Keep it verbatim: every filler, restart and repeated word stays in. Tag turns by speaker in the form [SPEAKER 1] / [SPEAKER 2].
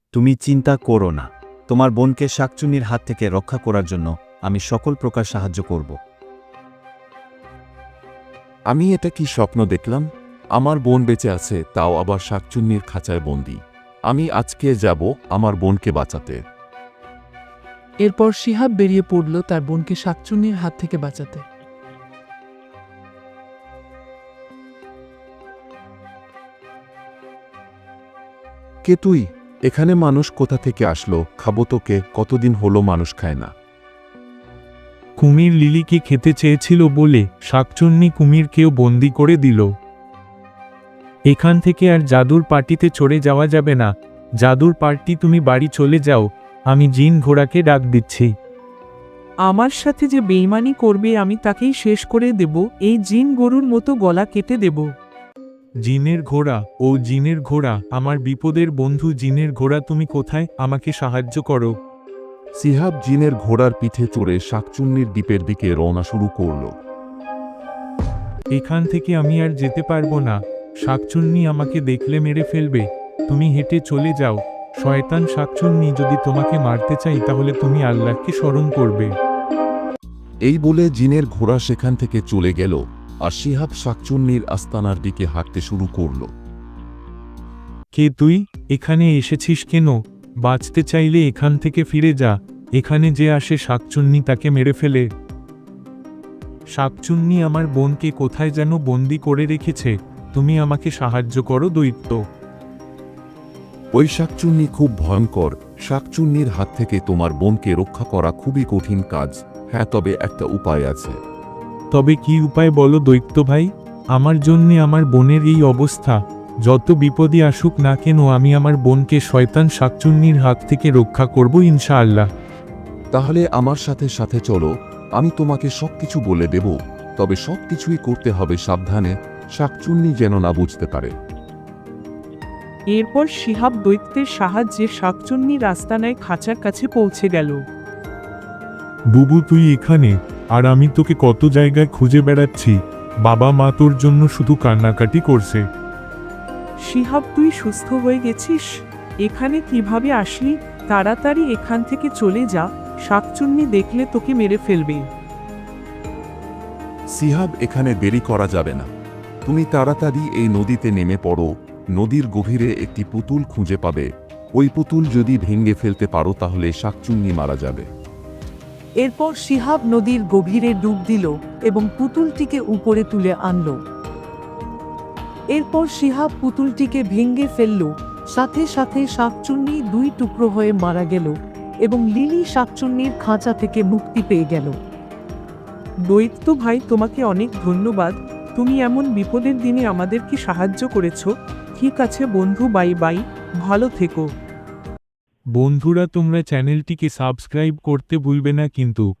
[SPEAKER 1] তুমি চিন্তা করো না, তোমার বোনকে শাকচুন্নির হাত থেকে রক্ষা করার জন্য আমি সকল প্রকার সাহায্য করব।
[SPEAKER 2] আমি এটা কি স্বপ্ন দেখলাম? আমার বোন বেঁচে আছে, তাও আবার শাকচুন্নির খাঁচায় বন্দি। আমি আজকে যাব আমার বোনকে বাঁচাতে।
[SPEAKER 3] এরপর শিহাব বেরিয়ে পড়ল তার বোনকে শাকচুন্নির হাত থেকে বাঁচাতে।
[SPEAKER 2] কে তুই? এখানে মানুষ কোথা থেকে আসলো? খাবো তোকে, কতদিন হলো মানুষ খায় না।
[SPEAKER 4] কুমির লিলিকে খেতে চেয়েছিল বলে শাকচুন্নি কুমিরকেও বন্দি করে দিল। এখান থেকে আর জাদুর পার্টিতে চড়ে যাওয়া যাবে না। জাদুর পার্টি, তুমি বাড়ি চলে যাও, আমি জিন ঘোড়াকে ডাক দিচ্ছি।
[SPEAKER 5] আমার সাথে যে বেইমানি করবে আমি তাকেই শেষ করে দেব, এই জিন গরুর মতো গলা কেটে দেব।
[SPEAKER 4] জিনের ঘোড়া, ও জিনের ঘোড়া, আমার বিপদের বন্ধু জিনের ঘোড়া, তুমি কোথায়? আমাকে সাহায্য করো।
[SPEAKER 2] শিহাব জিনের ঘোড়ার পিঠে চড়ে শাকচুন্নির দ্বীপের দিকে রওনা শুরু করল।
[SPEAKER 4] এখান থেকে আমি আর যেতে পারবো না, শাকচুন্নি আমাকে দেখলে মেরে ফেলবে। তুমি হেঁটে চলে যাও। শয়তান শাকচুন্নি, যদি তোমাকে মারতে চাই তাহলে তুমি আল্লাহকে স্মরণ করবে।
[SPEAKER 2] এই বলে জিনের ঘোড়া সেখান থেকে চলে গেল, আর শিহাব শাকচুন্নির আস্তানার দিকে হাঁটতে শুরু করল।
[SPEAKER 4] কে তুই? এখানে এসেছিস কেন? বাঁচতে চাইলে এখান থেকে ফিরে যা। এখানে যে আসে শাকচুন্নি তাকে মেরে ফেলে। শাকচুন্নি আমার বোনকে কোথায় যেন বন্দি করে রেখেছে, তুমি আমাকে সাহায্য করো দৈত্য।
[SPEAKER 2] ওই শাকচুন্নি খুব ভয়ঙ্কর। শাকচুন্নির হাত থেকে তোমার বোনকে রক্ষা করা খুবই কঠিন কাজ। হ্যাঁ, তবে একটা উপায় আছে।
[SPEAKER 4] তবে কি উপায় বলো দৈত্য ভাই? আমার জন্যে আমার বোনের এই অবস্থা। যত বিপদই আসুক না কেন আমি আমার বোনকে শয়তান শাকচুন্নির হাত থেকে রক্ষা করব ইনশাআল্লাহ।
[SPEAKER 2] তাহলে আমার সাথে সাথে চলো, আমি তোমাকে সবকিছু বলে দেব। তবে সবকিছুই করতে হবে সাবধানে, শাকচুন্নি যেন না বুঝতে পারে।
[SPEAKER 5] এরপর শিহাব দৈত্যের সাহায্যে শাকচুন্নির আস্তানায় খাঁচার কাছে পৌঁছে গেল।
[SPEAKER 4] বুবু, তুই এখানে? আর আমি তোকে কত জায়গায় খুঁজে বেড়াচ্ছি। বাবা মা তোর জন্য শুধু কান্নাকাটি করছে।
[SPEAKER 5] শিহাব, তুই সুস্থ হয়ে গেছিস? এখানে কিভাবে আসলি? তাড়াতাড়ি এখান থেকে চলে যা, শাকচুন্নি দেখলে তোকে মেরে ফেলবে।
[SPEAKER 2] শিহাব, এখানে দেরি করা যাবে না। তুমি তাড়াতাড়ি এই নদীতে নেমে পড়ো। নদীর গভীরে একটি পুতুল খুঁজে পাবে। ওই পুতুল যদি ভেঙে ফেলতে পারো তাহলে শাকচুন্নি মারা যাবে।
[SPEAKER 6] এরপর শিহাব নদীর গভীরে ডুব দিল এবং পুতুলটিকে উপরে তুলে আনল। এরপর শিহাব পুতুলটিকে ভেঙে ফেলল, সাথে সাথে শাকচুন্নি দুই টুকরো হয়ে মারা গেল এবং লিলি শাকচুন্নির খাঁচা থেকে মুক্তি পেয়ে গেল।
[SPEAKER 5] দৈত্য ভাই, তোমাকে অনেক ধন্যবাদ। তুমি এমন বিপদের দিনে আমাদেরকে সাহায্য করেছ। ঠিক আছে বন্ধু, বাই বাই, ভালো থেকো।
[SPEAKER 4] বন্ধুরা, তোমরা চ্যানেলটিকে সাবস্ক্রাইব করতে ভুলবে না কিন্তু।